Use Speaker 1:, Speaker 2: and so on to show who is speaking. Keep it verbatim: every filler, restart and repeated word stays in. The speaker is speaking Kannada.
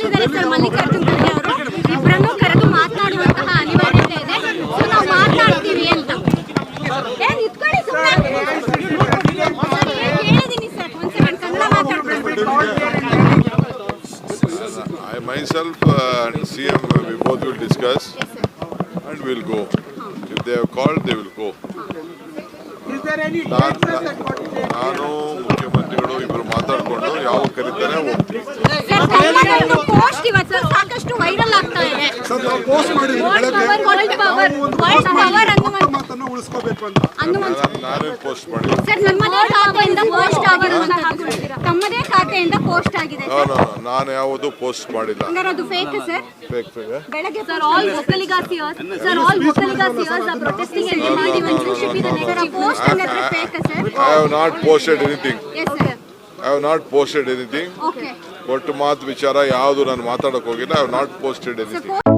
Speaker 1: ಕಳಿಸಿದ್ದಾರೆ ಸರ್ ಮಲ್ಲಿಕಾರ್ಜುನ್ ಖರ್ಗೆ ಅವರು. ಇಬ್ಬರನ್ನು ಕರೆದು ಮಾತನಾಡುವಂತಹ ಅನಿವಾರ್ಯತೆ ಇದೆ. ಸೊ ನಾವು ಮಾತನಾಡ್ತೀವಿ ಅಂತ ಏನ್ ಇಟ್ಕೊಳ್ಳಿ ಸುಮ್ಮನೆ ಹೇಳಿದೀನಿ ಸರ್. ಒಂದ್ ಸೆಕೆಂಡ್ ಕನ್ನಡ ಮಾತಾಡ್ಬೇಕು.
Speaker 2: I myself uh, and C M we both will discuss and we'll go. If they have called, they will go.
Speaker 3: Is there any
Speaker 2: ನಾನು ಮುಖ್ಯಮಂತ್ರಿಗಳು ಇಬ್ಬರು ಮಾತಾಡ್ಕೊಂಡು ಯಾವ ಕರೀತಾರೆ ಹೋಗ್ತೀವಿ.
Speaker 1: ಸರ್ ಕನ್ನಡದ ಪೋಸ್ಟ್ ಇವತ್ತು ಸಾಕಷ್ಟು ವೈರಲ್ ಆಗ್ತಾ ಇದೆ.
Speaker 3: ಪೋಸ್ಟ್ ಮಾಡಿದ್ರು
Speaker 1: ವರ್ಲ್ಡ್ ಪವರ್ ವರ್ಲ್ಡ್ ಪವರ್
Speaker 3: ಮಾತನ್ನು ಉಳಿಸ್ಕೋಬೇಕು ಅಂತ
Speaker 2: ನಾನೇ ಪೋಸ್ಟ್ ಮಾಡಿ
Speaker 1: ಸರ್ ನಮ್ಮದೇ ಖಾತೆಯಿಂದ ಪೋಸ್ಟ್ ಆಗಿರುವಂತಹ ತಮ್ಮದೇ ಖಾತೆಯಿಂದ ಪೋಸ್ಟ್ ಆಗಿದೆ
Speaker 2: ನಾನು ನಾನು ಯಾವುದು ಪೋಸ್ಟ್ ಮಾಡಿಲ್ಲ.
Speaker 1: ಹಂಗಾರೆ ಅದು ಫೇಕ್ ಸರ್.
Speaker 2: ಫೇಕ್ ಫೇಕ್
Speaker 1: ಬೆಳಗ್ಗೆ ಸರ್ ಆಲ್ ಒಕ್ಕಲಿಗಾಸಿಯರ್ಸ್ ಸರ್ ಆಲ್ ಒಕ್ಕಲಿಗಾಸಿಯರ್ಸ್ are protesting and demanding ministership in the next post ಹಂಗಾರೆ fake sir.
Speaker 2: I have not posted anything.
Speaker 1: Yes sir.
Speaker 2: I have not posted anything.
Speaker 1: Okay.
Speaker 2: ಒಟ್ಟು ಮಾತು ವಿಚಾರ ಯಾವುದು ನಾನು ಮಾತಾಡಕ್ಕೆ ಹೋಗಿಲ್ಲ. I have not posted anything.